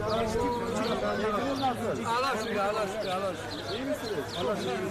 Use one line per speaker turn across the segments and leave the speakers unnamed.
Allah şükür, Allah şükür, Allah şükür.
İyi misiniz? Allah şükür.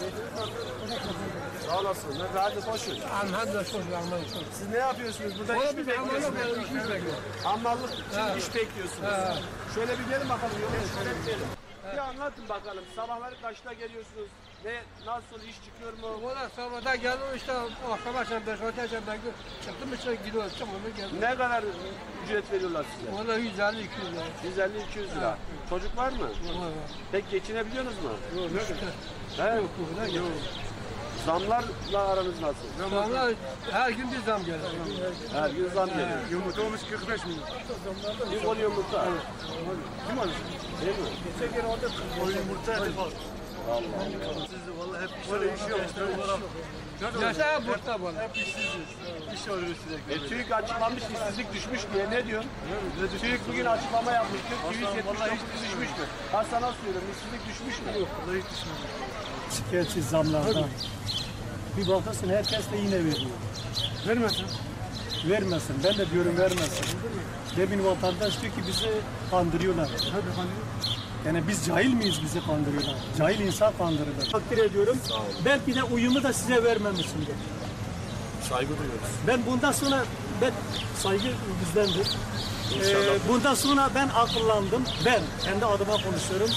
Sağ olasın. Ne hadi koşun.
Elhamdülillah şükür, elhamdülillah.
Siz ne yapıyorsunuz? Burada iş mi bekliyorsunuz? Hammallık için iş bekliyorsunuz. Şöyle bir gelin bakalım. Şöyle bir gelin. Bir anlatın bakalım. Sabahları kaçta geliyorsunuz? Nasıl iş çıkıyor mu?
Valla sabahda geldim işte akşam akşam 5-6 akşam ben çıktım işte gidiyorum çıkmadım geldim.
Ne kadar ücret veriyorlar size?
Valla 150-200 lira.
150-200 lira. Çocuk var mı?
Var.
Pek geçinebiliyorsunuz mu?
Yok,
He?
yok.
Zamlarla aranız nasıl?
Zamlar her gün bir zam geliyor.
Her gün zam geliyor.
Yumurta olmuş 45 milyon.
Bir kol yumurta.
Kim alır?
Değil mi?
Geçen kere orada o yumurta hep alır. Siz de vallahi hep iş yok.
Yaşa burada bana.
Hep işsiziz. İş arıyoruz sürekli.
TÜİK açıklamış işsizlik düşmüş diye ne diyorsun? TÜİK bugün açıklama yapmış.
Vallahi hiç
düşmüş mü? Ben sana soruyorum işsizlik düşmüş mü? Yok.
Vallahi hiç düşmedi.
Şikayetçi zamlardan. Bir bakıyorsun herkes de yine veriyor.
Vermesin.
Vermesin. Ben de diyorum vermesin. Demin vatandaş diyor ki bizi kandırıyorlar.
Hadi hani.
Yani biz cahil miyiz bizi kandırıyorlar? Cahil insan kandırırlar. Takdir ediyorum. Belki de uyumu da size vermemişimdir.
Saygı duyuyoruz.
Ben bundan sonra saygı bizdendir. Bundan sonra ben akıllandım. Ben kendi adıma konuşuyorum.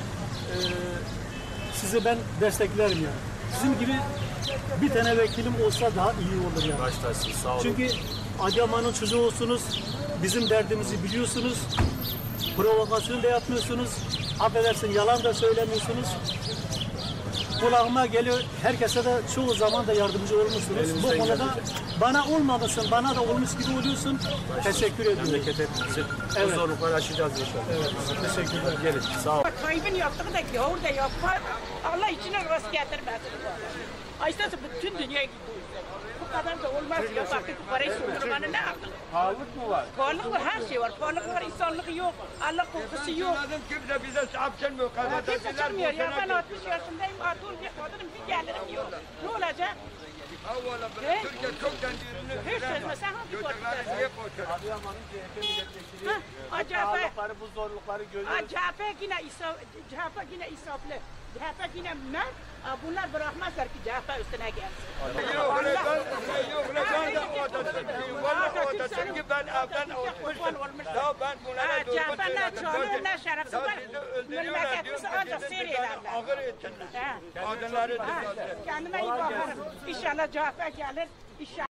Sizi ben desteklerim yani. Sizin gibi bir tane vekilim olsa daha iyi olur yani.
Baştaşsınız sağ olun.
Çünkü Adıyaman'ın çocuğu olsunuz. Bizim derdimizi biliyorsunuz. Provokasyon da yapmıyorsunuz. Affedersin yalan da söylemiyorsunuz. Kulağıma geliyor. Herkese de çoğu zaman da yardımcı olmuşsunuz. Bu konuda bana olmamışsın, bana da olmuş gibi oluyorsun. Teşekkür ediyorum.
Memleket hepimizi
Evet.
bu zorlukları aşacağız inşallah.
Evet, teşekkürler.
Gelin sağ olun.
Kaybın yaptığı da gavur da yapar. Allah içine rast getirmesin. Aysası bütün dünya gidiyor. Bu kadar da olmaz ya. Artık parayı sürdürmenin ne akıllı?
Pahalılık mı var?
Pahalılık var, her şey var. Pahalılık var, insanlık yok. Allah korkusu yok.
Kimse bize sahip gelmiyor.
Kimse çıkmıyor ya. Ben 60 yaşındayım. Artık bir kadınım, bir gelirim yok. Ne olacak?
Türkiye çok kendilerini
Hiç sözme, sen hangi
götürleri niye koşuyor?
Adıyaman'ın CHP milletvekili
Acaba
pahalılıkları, bu zorlukları görüyoruz.
CHP yine insaflı. CHP yine mert. Bunlar bırakmazlar ki CHP üstüne gelsin.
Yok ben de Atatürk'üm. Valla Atatürk'ü ben evden olmuştum. Ya ben bunlara
CHP ne çoğunluğu ne şerefsiz var.
öldürüyorlar
Memleketimizi
diyor.
ancak seyrederler.
Ağır etsinler. Kadınları
Kendime iyi bakarım. İnşallah CHP gelir. İnşallah.